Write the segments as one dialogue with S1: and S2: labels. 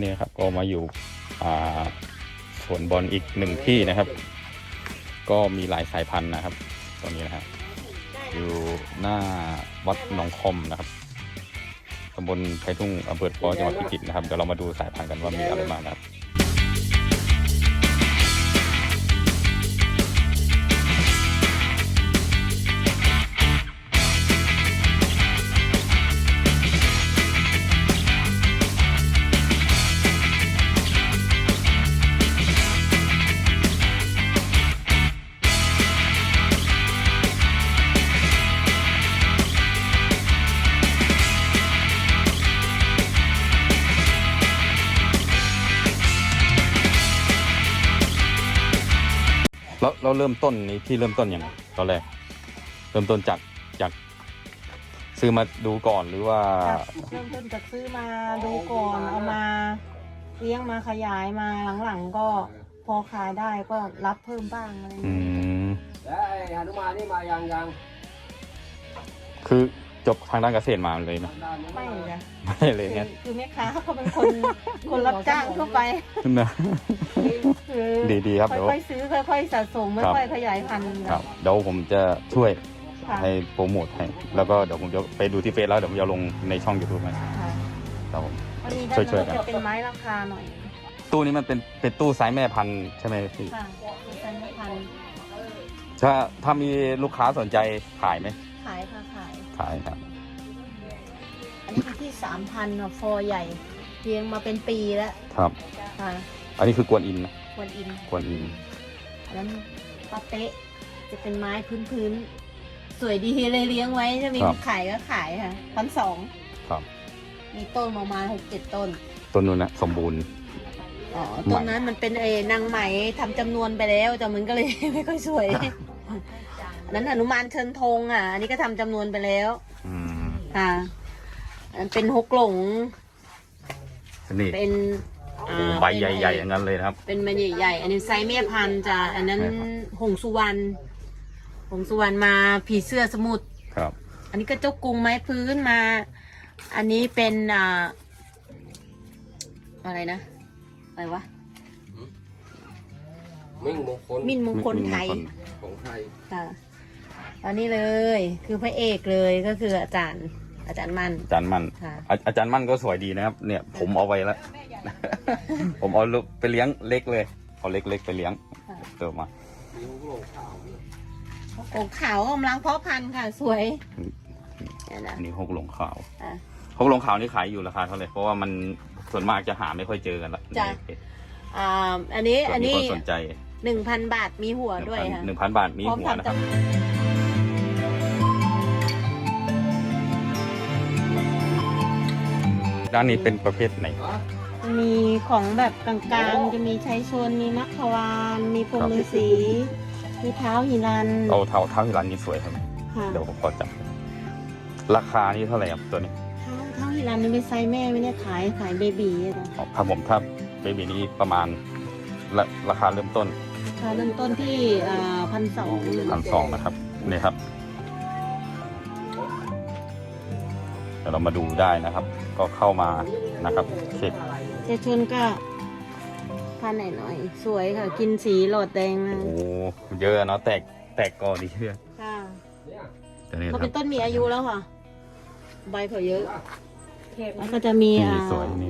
S1: นี้ครับก็มาอยู่สวนบอลอีกหนึ่งที่นะครับก็มีหลายสายพันธุ์นะครับตรงนี้นะครับอยู่หน้าวัดหนองคอมนะครับตำบลไผ่ทุ่งอำเภอปอจังหวัดพิจิตรนะครับเดี๋ยวเรามาดูสายพันธุ์กันว่ามีอะไรบ้างนะครับเราเริ่มต้นนี้ที่เริ่มต้นอย่างไรตอนแรกเริ่มต้นจากซื้อมาดูก่อนหรือว่า
S2: เริ่มต้นจากซื้อมาดูก่อนเอามาเลี้ยงมาขยายมาหลังๆก็พอขายได้ก็รับเพิ่มบ้างอะไรอย่างเงี้ย
S3: แล้วไอ้หนุมานนี่มายัง
S1: คือจบทางด้านเกษตรมาเลยนะ
S2: ไม่จ้ะ
S1: ไม่เลยเนี่ย
S2: คือแม่ค้าเขาเป็นคนรับจ้างทั่วไป
S1: นะดีครับ
S2: ค่อยๆซื้อค่อยๆสะสมค่อยๆขยายพันธุ์
S1: ครับเดี๋ยวผมจะช่วยให้โปรโมทให้แล้วก็เดี๋ยวผมจะไปดูที่เฟซแล้วเดี๋ยวผมจะลงในช่อง YouTube นะครับผมช่วยกัน
S2: เป็นไม้ราคาหน่อย
S1: ตู้นี้มันเป็นตู้ไซส์แม่พันธุ์ใช่ไหมพี่
S2: ค่ะไซส์แม่พันธุ์
S1: ถ้ามีลูกค้าสนใจขายไหม
S2: ขายค่ะ
S1: ขายครับ
S2: อันนี้ที่ 3,000 ฟอร์ใหญ่เลี้ยงมาเป็นปีแล้ว
S1: ครับ
S2: ค่ะ
S1: อันนี้คือกวนอินนะ
S2: กวนอินอันนั้นปาเต๊ะจะเป็นไม้พื้นสวยดีเลยเลี้ยงไว้จะมีขายก็ขายค่ะ1,200
S1: ครับ
S2: มีต้นประมาณ 6-7 ต้น
S1: นู้นนะสมบูรณ์
S2: ต้นนั้นมันเป็นนางไหมทำจำนวนไปแล้วแต่มันก็เลยไม่ค่อยสวยนั้นหนุมานเชิญธงอันนี้ก็ทำจำนวนไปแล้วค่ะอันเป็นฮกหลง
S1: นี่
S2: เป็น
S1: ใบใหญ่ๆอย่างนั้นเลยครับ
S2: เป็นใบใหญ่ๆอันนี้ไซส์แม่พันธุ์จ้ะอันนั้นหงสุวรรณมาผีเสื้อสมุทร
S1: ครับ
S2: อันนี้ก็เจ้ากรุงไม้พื้นมาอันนี้เป็นอะไรนะอะไรวะมิ่นมงคลไทย
S3: ของไทย
S2: ค่ะอันนี้เลยคือพระเอกเลยก็คืออาจารย์มั่น
S1: อาจารย์มั่นก็สวยดีนะครับเนี่ยผมเอาไว้แล้วผมเอาไปเลี้ยงเล็กเลยเอาเล็กๆไปเลี้ยงเติมมา
S2: หงขาวกำลังเพาะพันธุ์ค่ะสวย
S1: นี่หกหลงขาวนี่ขายอยู่ราคาเท่าไหร่เพราะว่ามันส่วนมากจะหาไม่ค่อยเจอกันละ
S2: จ้ะอันนี้
S1: คนสนใจ
S2: 1,000 บาทมีหัวด้วยค่ะ
S1: 1,000 บาทมีหัวนะครับด้านนี้เป็นประเภทไหน
S2: มีของแบบกลางๆจะมีชัยชนมีมัคควานมีพรหมฤาษีมีเท้าหิรัน
S1: เท้าหิรันนี่สวยครับเดี๋ยวผมขอจับราคานี่เท่าไหร่ครับตัวนี้
S2: เท้าหิรันนี่เป็นไซส์แม่ไม่ได้ขายเบบี
S1: นะครับผมถ้าเบบีนี้ประมาณราคาเริ่มต้น
S2: ที่1,200
S1: นะครับนี่ครับเดี๋ยวเรามาดูได้นะครับ ก็เข้ามานะครับเช็ค
S2: เจชนก็พันหน่อยสวยค่ะกินสีหลอดแดงนะ
S1: โอ้เยอะเนาะแตกก่อนดีเชื่อ
S2: ค่ะเขาเป็นต้นมีอายุแล้วค่ะใบเขาเยอะแล้วก็จะมี
S1: สวยนี่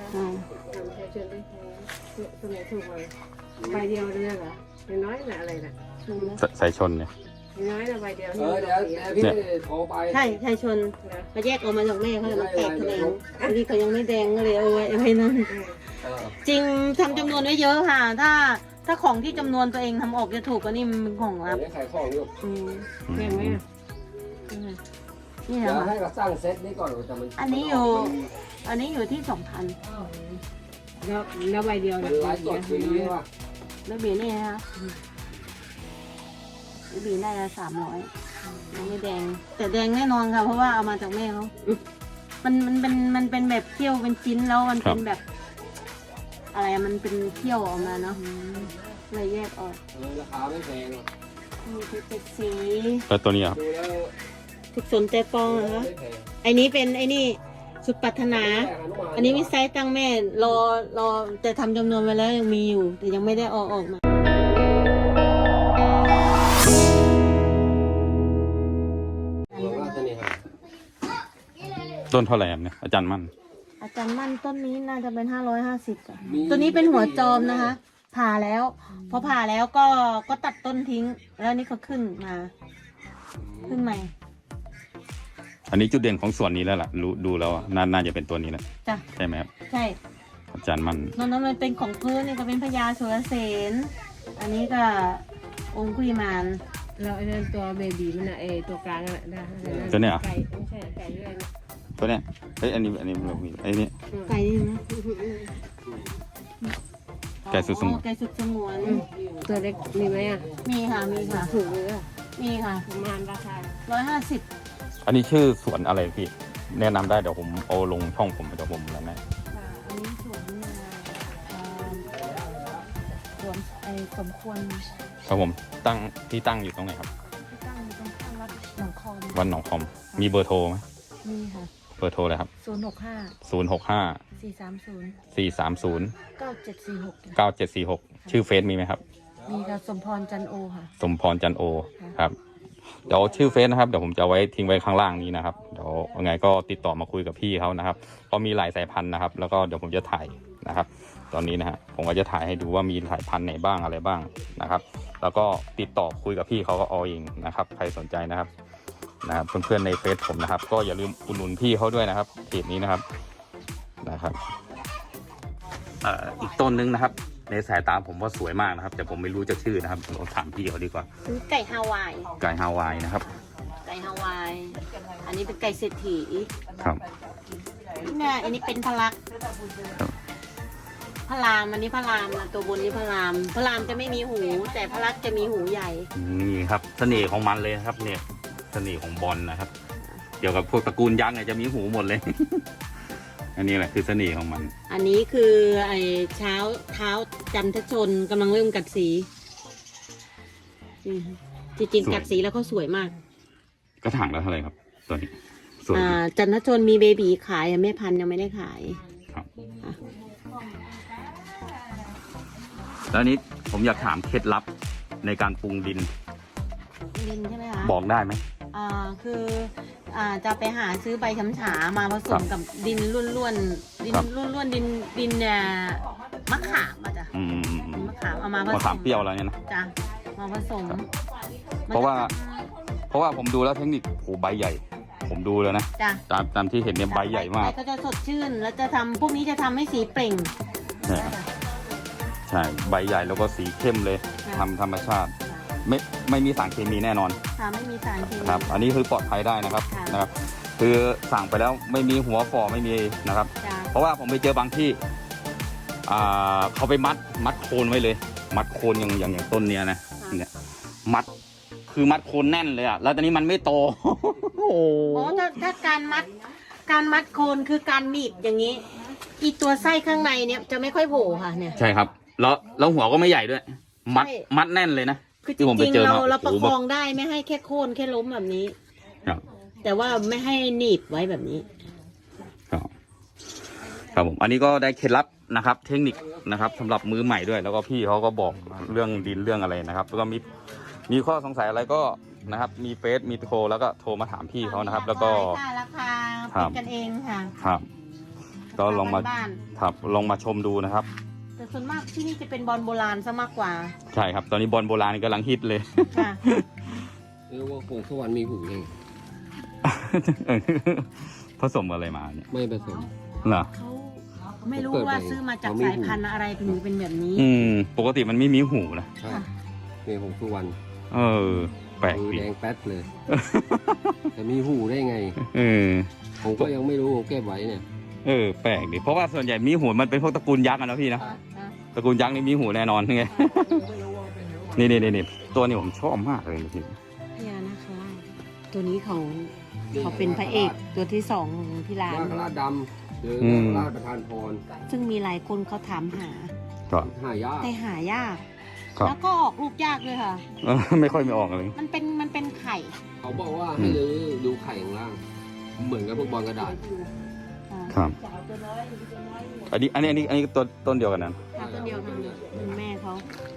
S2: ใบเดียวเลยเหรอน้อยนะอะไรนะ
S1: สายชนเนี่ย
S2: น้อยนะใบเดียว
S3: เดี๋ยวพี่โทรไป
S2: ใช่ชนมาแยกออกมาจากแม่เขาจะมาแตกแถลงอันนี้เขายังไม่แดงก็เลยเอาไว้นั่นจริงทำจำนวนไว้เยอะค่ะถ้าของที่จำนวนตัวเองทำออกจะถูกก็นี่มันเป็นของลับ
S3: ขายของอยู่
S2: แพงไหมนี่เหรอ
S3: ให้เราสร้างเซตนี้ก่อนแต่มัน
S2: อันนี้อยู่ที่ 2,000แล้วใบเดียว
S3: เนี่ย
S2: แล้วเบียร์นี่นะคะบีน่าจะ300ยังไม่แดงแต่แดงแน่นอนค่ะเพราะว่าเอามาจากแม่เขามันเป็นแบบเคี่ยวเป็นชิ้นแล้วมันเป็นแบบอะไรมันเป็นเคี่ยวออกมาเนาะเลยแยกออก
S3: ราคาไม่แพง
S2: มีเป็นสี
S1: แล้วตัวนี้อ่ะ
S2: ถึกสนใจปองเหรอไอ้นี้เป็นไอ้นี่สุดปรารถนา อันนี้มีไซส์ตั้งแม่รอแต่ทำจำนวนไว้แล้วยังมีอยู่ แต่ยังไม่ได้ออกมา
S3: ว่าจะนี่ครับ
S1: ต้นเท่าไหร่ครับเนี่ยอาจารย์มั่น
S2: อาจารย์มั่นต้นนี้น่าจะเป็น550ค่ะตัวนี้เป็นหัวจอมนะคะ ผ่าแล้วพอผ่าแล้วก็ตัดต้นทิ้ง แล้วนี่ก็ขึ้นมา ขึ้นใหม่
S1: อันนี้จุดเด่นของส่วนนี้แล้วล่ะดูแล้วอะน่าจะเป็นตัวนี้แหละ
S2: จ้ะ
S1: ใช่ไหมครับ
S2: ใช่
S1: อาจารย์มั่น
S2: นอกนั้นมันเป็นของพื้นนี่ก็เป็นพญาสุรเสนอันนี้ก็องคุยมาน
S4: เราไอ้นั่นตัวเบบีมันอะไอตัวกลางอะได้
S1: ตัวเนี้ยเหรอ
S4: ไก่ไม่ใช่ไก่เรื่อยนะ
S1: ตัวเนี้ยเฮ้ยอันนี้เรามีไอ้นี่
S2: ไก่นี่นะ
S1: ไก่สุดสงวน
S2: ไก่สุดสงวน
S4: ตัวเล็กมีไหมอะ
S2: มีค่ะมีค่ะ
S4: ถูกเลยอะ
S2: มีค่ะ
S4: ประมาณราคา
S2: 150
S1: อันนี้ชื่อสวนอะไรพี่แนะนำได้เดี๋ยวผมเอาลงช่องผมเดี๋ยวผมแล้วนะ
S2: ค่ะอันนี้สวนสวนไอ้สมควร
S1: ครับผมตั้งอยู่ตรงไหนครับ
S2: ที่ตั้งอยู่ตรงข้างวัดหนองคอม
S1: วันหนองคอมมีเบอร์โทรไหม
S2: มีค่ะ
S1: เบอร์โทรเลยครับ
S2: 065
S1: 065
S2: 430
S1: 430
S2: 9746
S1: 9746ชื่อเฟซมีไหมครับ
S2: มีค่ะสมพรจันโอค่ะ
S1: สมพรจันโอครับเดี๋ยวชื่อเฟซนะครับเดี๋ยวผมจะไว้ทิ้งไว้ข้างล่างนี้นะครับเดี๋ยวยังไงก็ติดต่อมาคุยกับพี่เขานะครับเพราะมีหลายสายพันธุ์นะครับ แล้วก็เดี๋ยวผมจะถ่ายนะครับ ตอนนี้นะฮะผมก็จะถ่ายให้ดูว่ามีสายพันธุ์ไหนบ้างอะไรบ้างนะครับ แล้วก็ติดต่อคุยกับพี่เขาก็เอาเองนะครับใครสนใจนะครับเพื่อนๆในเฟซผมนะครับ ก็อย่าลืมอุดหนุนพี่เขาด้วยนะครับเพจนี้นะครับอีกต้นนึงนะครับ ในสายตาผมว่าสวยมากนะครับ แต่ผมไม่รู้จะชื่อนะครับเราถามพี่เขาดีกว่า
S2: ซื้อไก่ฮาวาย
S1: ไก่ฮาวายนะครับ
S2: ไก่ฮาวาย อันนี้เป็นไก่เศรษฐี
S1: ครับ
S2: เนี่ยอันนี้เป็นพลัก
S1: ครับ
S2: พระรามอันนี้พระรามนะตัวบนนี้พระรามพระรามจะไม่มีหู แต่พระลักษมณ์จะมีหูใหญ่
S1: นี่ครับเสน่ห์ของมันเลยนะครับเนี่ยเสน่ห์ของบอลนะครับ เกี่ยวกับพวกตระกูลยักษ์เนี่ยจะมีหูหมดเลย อันนี้แหละคือเสน่ห์ของมัน
S2: อันนี้คือไอ้เท้าจันทชนกำลังเริ่มกัดสีนี่ค่ะจริงๆกัดสีแล้วเขาสวยมาก
S1: กระถางแล้วเท่าไหร่ครับตัวนี้สวยดี
S2: จันทชนมีเบบีขายแม่พันธุ์ยังไม่ได้ขาย
S1: ครับ
S2: อ่ะ
S1: แล้วอันนี้ผมอยากถามเคล็ดลับในการปรุงดิน
S2: ดินใช่ไหมคะ
S1: บอกได้ไหม
S2: คือจะไปหาซื้อใบช้ำฉามาผสมกับดินล้วนๆดิน
S1: ครับ
S2: ล้วนๆดินเนี่ยมะขามอ่ะจ้ะ
S1: อืม
S2: มะขามเอามาผสม
S1: มะขามเปรี้ยวอะไรเนี่ยนะ
S2: จ้ะมาผสม
S1: ครับ
S2: มัน
S1: เพราะว่าผมดูแล้วเทคนิคโหใบใหญ่ ผมดูแล้วนะ
S2: จ้ะ
S1: ตามที่เห็นเนี่ยใบใหญ่มาก
S2: ใบก็จะสดชื่นแล้วจะทำพวกนี้จะทำให้สีเปล่ง
S1: ใช่ใบใหญ่แล้วก็สีเข้มเลย
S2: ค่ะ
S1: ทำธรรมชาติ ไม่มีสารเคมีแน่นอน
S2: ค่ะไม่มีสารเคมี
S1: ครับ อันนี้คือปลอดภัยได้นะครับ
S2: ค่ะ
S1: นะครับ คือสั่งไปแล้วไม่มีหัวฝ่อไม่มีนะครับ
S2: จ้ะ
S1: เพราะว่าผมไปเจอบางที่เขาไปมัดโคนไว้เลย มัดโคนอย่างต้นเนี้ยนะเนี่ยมัดโคนแน่นเลยอ่ะแล้วตอนนี้มันไม่โต โอ้โห
S2: โอ้ถ้าการมัดโคนคือการหนีบอย่างนี้ อีตัวไส้ข้างในเนี่ยจะไม่ค่อยโผล่ค่ะเนี่ย
S1: ใช่ครับ แล้วหัวก็ไม่ใหญ่ด้วย
S2: ใช่
S1: มัดแน่นเลยนะ
S2: คือจ
S1: ที่ผมไป
S2: ริง
S1: เจอ
S2: ๆ
S1: มา
S2: เราประ
S1: โอ้
S2: ค
S1: โห
S2: องได้ไม่ให้แค่โค่นแค่ล้มแบบนี้
S1: ครับ
S2: แต่ว่าไม่ให้หนีบไว้แบบนี้
S1: ครับผมอันนี้ก็ได้เคล็ดลับนะครับ เทคนิคนะครับสำหรับมือใหม่ด้วย แล้วก็พี่เขาก็บอกเรื่องดินเรื่องอะไรนะครับ แล้วก็มีข้อสงสัยอะไรก็นะครับ มีเฟซมีโทรแล้วก็โทรมาถามพี่เขานะครับ แล้วก็
S2: ราคา
S1: ครับ
S2: เป็นกันเองค่ะ
S1: ครับ ก็ลองมา
S2: บ้าน
S1: ครับลองมาชมดูนะครับ
S2: ๆแต่ส่วนมากที่นี่จะเป็นบอลโบราณซะมากกว่า
S1: ใช่ครับ ตอนนี้บอลโบราณกำลังฮิตเลย
S2: ค่ะ
S3: เรียกว่าผงสวรรค์มีหูเลย
S1: ผสมอะไรมาเนี่ย
S3: ไม่ผสม
S1: เหรอ
S2: เขาไม่รู้ว่าซื้อมาจากสายพันธุ์อะไรถึงเป็นแบบนี้
S1: ปกติมันไม่มีหูนะ
S3: ใช่มีผงสวรรค์
S1: แปลก
S3: มือ
S1: ดี
S3: แดงแป๊ดเลย แต่มีหูได้ไง
S1: เออ
S3: ผมก็ยังไม่รู้ผมเก็บไว้เนี่ย
S1: แปลกดิเพราะว่าส่วนใหญ่มีหูมันเป็นพวกตระกูลยักษ์อะนะพี่นะ ตระกูลยักษ์นี่มีหูแน่นอนไง นี่ตัวนี้ผมชอบมากเลยพี่
S2: พญานาคราชตัวนี้เขาเป็นพระเอกตัวที่สองของที่ร้าน
S3: นาคราชดำหรือนาคราชประธานพร
S2: ซึ่งมีหลายคนเขาถามหา
S1: ก็
S3: หายาก
S2: แต่หายาก
S1: ครับ
S2: แล้วก็ออกลูกยากเลยค่ะ
S1: ไม่ค่อยมีออกเลย
S2: มันเป็นไข่
S3: เขาบอกว่าให้รื้อดูไข่ข้างล่าง เหมือนกับพวกบอลกระดาษ
S2: อ่า
S1: ครับ
S2: จะเอาตัวน้อยหรือตัวน้อย
S1: อันนี้ต้นเดียวกันนะ
S2: ค่ะตัวเดียวกันเลยเป็นแม่เขา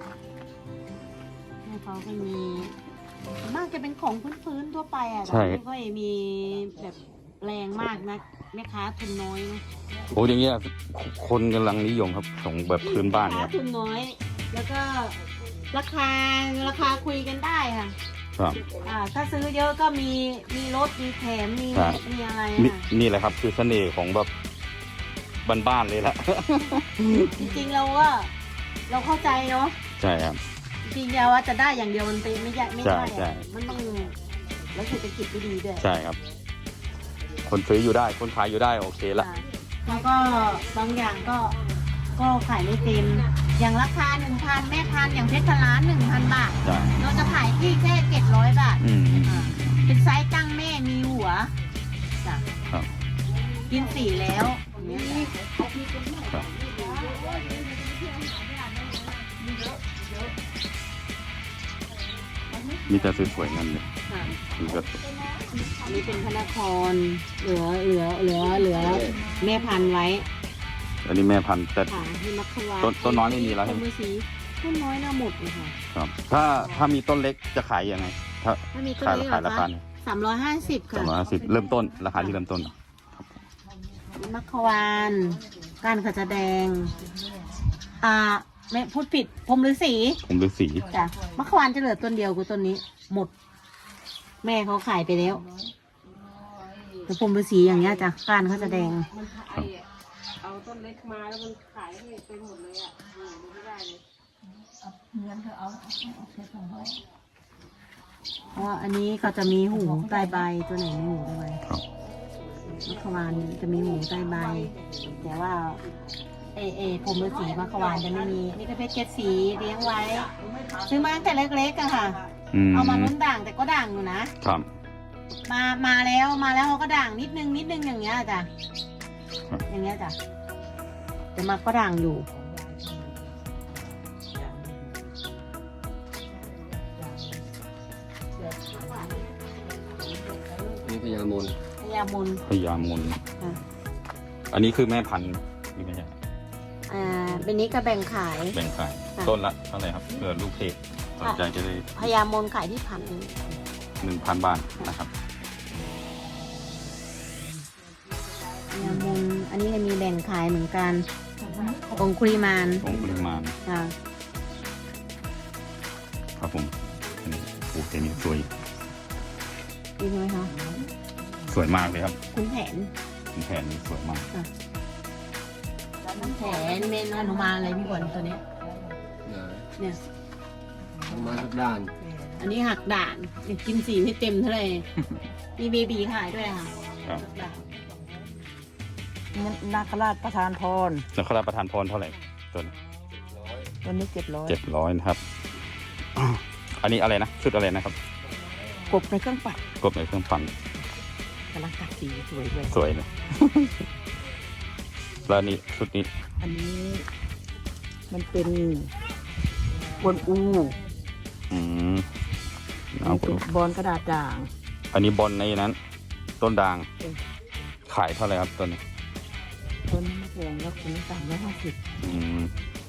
S2: ก็มีส่วนมากจะเป็นของพื้นๆทั่วไปอ่ะแต่ไม่ค่อยมีแบบแรงมากนะแม่ค้าทุนน้อยนะ
S1: โอ้อย่างเงี้ยคนกำลังนิยมครับของแบบพื้นบ้านเนี่ย
S2: ทุนน้อย แล้วก็ราคาคุยกันได้ค่ะ
S1: ครับ
S2: ถ้าซื้อเยอะก็มีรถมีแถมมีอะไร
S1: นี่แหละครับคือเสน่ห์ของแบบบ้านๆเลยแหละ
S2: จริงๆเราก็เราเข้าใจเนาะ
S1: ใช่ครับ
S2: จริงๆว่าจะได้อย่างเดียวมันเป็นไม่ได้
S1: ใช่
S2: มันต้องแล้วเศรษฐกิจไม่ดีด้วย
S1: ใช่ครับ คนซื้ออยู่ได้คนขายอยู่ได้โอเคละ
S2: แล้วก็บางอย่างก็ขายไม่เต็มอย่างราคา 1,000 แม่พันธุ์อย่างเพชรล้าน 1,000 บาท
S1: ใช่
S2: เราจะขายที่แค่700 บาท
S1: อืม
S2: เป็นไซส์ตั้งแม่มีหัวจ้ะ
S1: ครับ
S2: กินสีแล้วอย่างเงี้ยจ้ะ
S1: ครับ มีแต่สวยๆงั้นเลย
S2: ค่ะ
S1: นี่ก็
S2: อันนี้เป็นพระนครเหลือแม่พันธุ์ไว้
S1: อันนี้แม่พันธุ์แต่
S2: ค่ะที่มัคควา
S1: ต้นน้อยไม่มีแล้วใช่ไหม
S2: มือสีต้นน้อยน่าหมดเลยค่ะ
S1: ครับ ถ้ามีต้นเล็กจะขายยังไง ถ้า
S2: ถ้ามีต้น
S1: ขาย
S2: นี้
S1: ขาย
S2: เหร
S1: รา
S2: อ
S1: คา
S2: คะ350 ค่ะ
S1: 350เริ่มต้นราคาที่เริ่มต้น
S2: มัคควานก้านขจรแดงไม่พูดผิดพรหมฤาษี
S1: ผมฤาษี
S2: จ้ะมัคควานจะเหลือต้นเดียวคือต้นนี้หมด แม่เขาขายไปแล้วแต่พรหมฤาษีอย่างเงี้ยจ้ะก้านเขาจะแดง
S4: มันไอ้เอาต้นเล็กมาแล้วมันขายให้ไปหมดเลยอ่ะดูไม่ได้เลย
S2: เพราะว่าอันนี้ก็จะมีหูใต้ใบตัวไหนมีหูใต้ใบ
S1: ครับ
S2: มัคควานจะมีหูใต้ใบ แต่ว่าพรหมฤาษีมัคควานจะไม่มีนี่ก็เพชรเจ็ดสีเลี้ยงไว้ ซื้อมาตั้งแต่เล็กๆอะค่ะ เอามาลุ้นด่างแต่ก็ด่างอยู่นะครับ มาแล้วเขาก็ด่างนิดนึงอย่างเงี้ยจ้ะ
S1: ครับ
S2: อย่างเงี้ยจ้ะแต่มาก็ด่างอยู่
S3: นี่พญามน
S2: พญามน
S1: พญามน
S2: ค่ะ
S1: อันนี้คือแม่พันธุ์นี่ไม่ใช่
S2: เป็นนี้ก็แบ่งขาย
S1: แบ่งขาย
S2: ค่ะ
S1: ต้นละเท่าไหร่ครับเผื่อลูกเพจสนใจจะได้
S2: พญามนขายที่พัน
S1: 1,000 บาทนะครับ
S2: พญามนอันนี้ก็มีแบ่งขายเหมือนกันองคุริมาน
S1: องค์ปริมาณ
S2: ค่ะ
S1: ครับผมอันนี้โอเคนี่สวย
S2: ดีใช่ไหมคะ
S1: สวยมากเลยครับ
S2: คุณแผน
S1: แผ่นนี้สวยมาก
S2: แผนเมนหนุมานอะไรพี่บอลตัวเนี้ย
S3: นะ
S2: เนี่ย
S3: ทำมาทุกด้าน
S2: อันนี้หักด่านยังกินสีไม่เต็มเท่าไหร่ มีเบบีขายด้วยค่ะ
S1: ครับ
S2: หักด่าน
S5: นาคราชประธานพร
S1: แล้วเขารับประทานพรเท่าไหร่ตัวนี้
S5: วันนี้700
S1: 700นะครับ อันนี้อะไรนะชุดอะไรนะครับ
S5: กบในเครื่องปัด
S1: กบในเครื่องปั่น
S5: กำลังกัดสีสวยเลย
S1: สวยเลย แล้วนี่ชุดนี้
S5: อันนี้มันเป็นบนอู
S1: อืม
S5: มั
S1: เอา
S5: นเป็นบอลกระดาษด่าง
S1: อันนี้บอลในนั้น ต้นด่าง
S5: เออ
S1: ขายเท่าไหร่ครับต้นนี้
S5: ต้นนี้ไม่แพงแล้วคุณ350
S1: อืม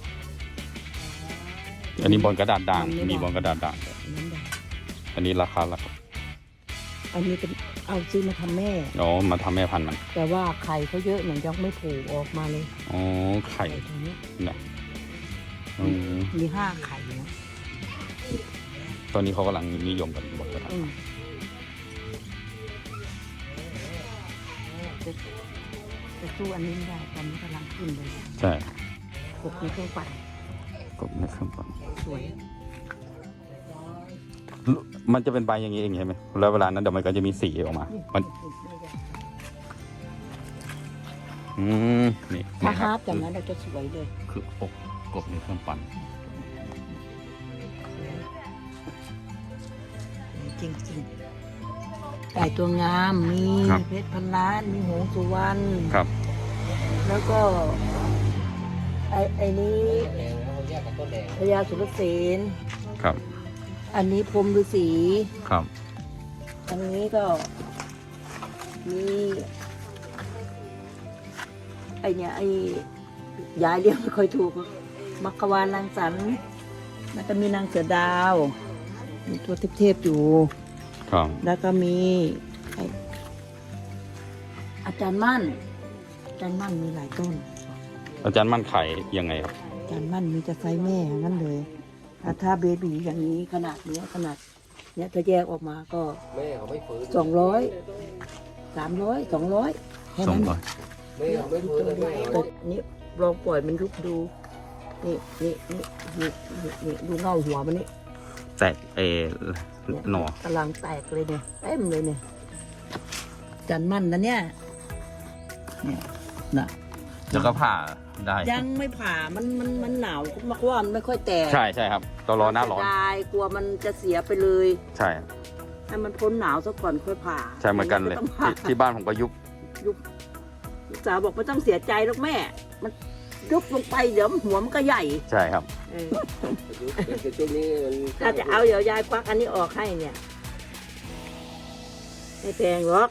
S1: อันนี้บอลกระดาษด่าง
S5: มันไม่
S1: มี
S5: ด่าง
S1: บอลกระดาษด่าง
S5: อันนั้นด่าง
S1: อันนี้ราคาละครับ
S5: อันนี้เป็นเอาซื้อมาทำแม่
S1: อ๋อมาทำแม่พันธุ์มัน
S5: แต่ว่าไข่เขาเยอะเหมือนยังไม่โผล่ออกมาเลย
S1: อ๋อไข่
S5: ไข่ตรงนี้
S1: นะอืม
S5: มี5 ไข่นะ
S1: ตอนนี้เขากำลังนิยมกันบอลกระดาษ
S5: อืมจะสู้อันนี้ไม่ได้ตอนนี้กำลังขึ้นเลย
S1: ใช่
S5: กบในเครื่องปัด
S1: กบในเครื่องปั่น
S5: สวย
S1: มันจะเป็นใบอย่างนี้เองใช่ไหมแล้วเวลานั้นเดี๋ยวมันก็จะมีสีออกมา มัน อืมนี่
S5: ถ้า
S1: นะค
S5: ฮา
S1: รั
S5: ร์ปอย่างนั้นเราจะสวยเลย
S1: คืออกกบในเครื่องปั่น
S5: จริงๆไก่ตัวงาม มีเพชรพันล้าน มีหงส์สุวรรณ
S1: ครับ
S5: แล้วก็ไอ้นี้
S3: แดงแล้วเขาแยกกับต้นแดง
S5: พญาสุรเสน
S1: ครับ
S5: อันนี้พรหมฤาษี
S1: ครับ
S5: อันนี้ก็มีเนี่ยไอ้ยายเรียกไม่ค่อยถูกมักกะวานนางสันแล้วก็มีนางเสือดาวมีตัวเทพๆอยู่
S1: ครับ
S5: แล้วก็มีไอ้อาจารย์มั่นอาจารย์มั่นมีหลายต้น
S1: อาจารย์มั่นขายยังไงครับ
S5: อาจารย์มั่นมีจะไซส์แม่อย่างนั้นเลยถ้าเบบีอย่างนี้ขนาดเนี้ยขนาดเนี้ยถ้าแยกออกมาก็
S3: แม่เขาไม่ฟื้น
S5: 200 300 200แค่
S1: สอง
S5: นั้น
S1: ร้อย
S3: แม่เขาไม่ฟื้นเลยแม่เขา
S5: แต่นี่ลองปล่อยมันลุกดูนี่ดูเงาหัวมันนี่
S1: แตกหน่อก
S5: ำลังแตกเลยเนี่ยเต็มเลยเนี่ยจันมั่นนะเนี่ยน่ะ
S1: แล้วก็ผ่าได้
S5: ยังไม่ผ่ามันหนาวมากว่ามันไม่ค่อยแตก
S1: ใช่ใช่ครับต้องรอหน้าร้อน
S5: ได้กลัวมันจะเสียไปเลย
S1: ใช่
S5: ให้มันพ้นหนาวซะก่อนค่อยผ่า
S1: ใช่เหมือนกันเลย
S5: ไต้องผ่า
S1: ที่บ้านผมก็ยุบ
S5: ลูกสาวบอกไม่ต้องเสียใจหรอกแม่ มันยุบลงไปเดี๋ยวหัวมันก็ใหญ่
S1: ใช่ครับ
S5: เออ
S3: แต่ช่วงนี้มัน
S5: ถ้าจะเอาเดี๋ยวยายควักอันนี้ออกให้เนี่ยไม่แพงหรอก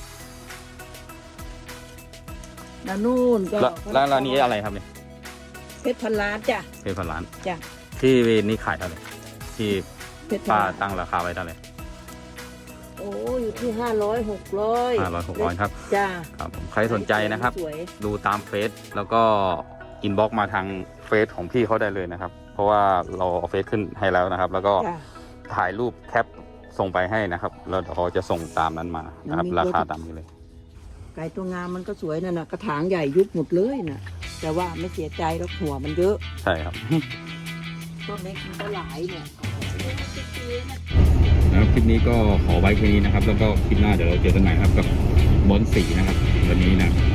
S5: แล้วนู่นก็
S1: แล้วร้านนี้อะไรครับเนี่ย
S5: เพชรพันล้านจ้ะ
S1: เป็นพันล้าน
S5: จ้ะ
S1: ที่นี่ขายเท่าไหร่ที่
S5: เพชรพัน
S1: ป้า
S5: ล้าน
S1: ตั้งราคาไว้เท่าไหร่
S5: โอ้อยู่ที่500 600
S1: 500-600ครับ
S5: จ้า
S1: ครับผมใครสนใจนะครับ
S5: สวย
S1: ดูตามเฟซแล้วก็อินบ็อกมาทางเฟซของพี่เขาได้เลยนะครับ เพราะว่าเราเอาเฟซขึ้นให้แล้วนะครับ แล้วก็
S5: จ้ะ
S1: ถ่ายรูปแคปส่งไปให้นะครับแล้วเดี๋ยวเขาจะส่งตามนั้นมานะครับ
S5: มันมี
S1: ราคาตามนี้เลย
S5: ไก่ตัวงามมันก็สวยนั่นน่ะกระถางใหญ่ยุบหมดเลยน่ะ แต่ว่าไม่เสียใจแล้วหัวมันเยอะ
S1: ใช่ครับ
S5: ต้นเล็กมันก็หลายเนี่ย
S1: แล้วคลิปนี้ก็ขอไว้แค่นี้นะครับ แล้วก็คลิปหน้าเดี๋ยวเราเจอกันใหม่ครับกับบอลสีนะครับวันนี้นะ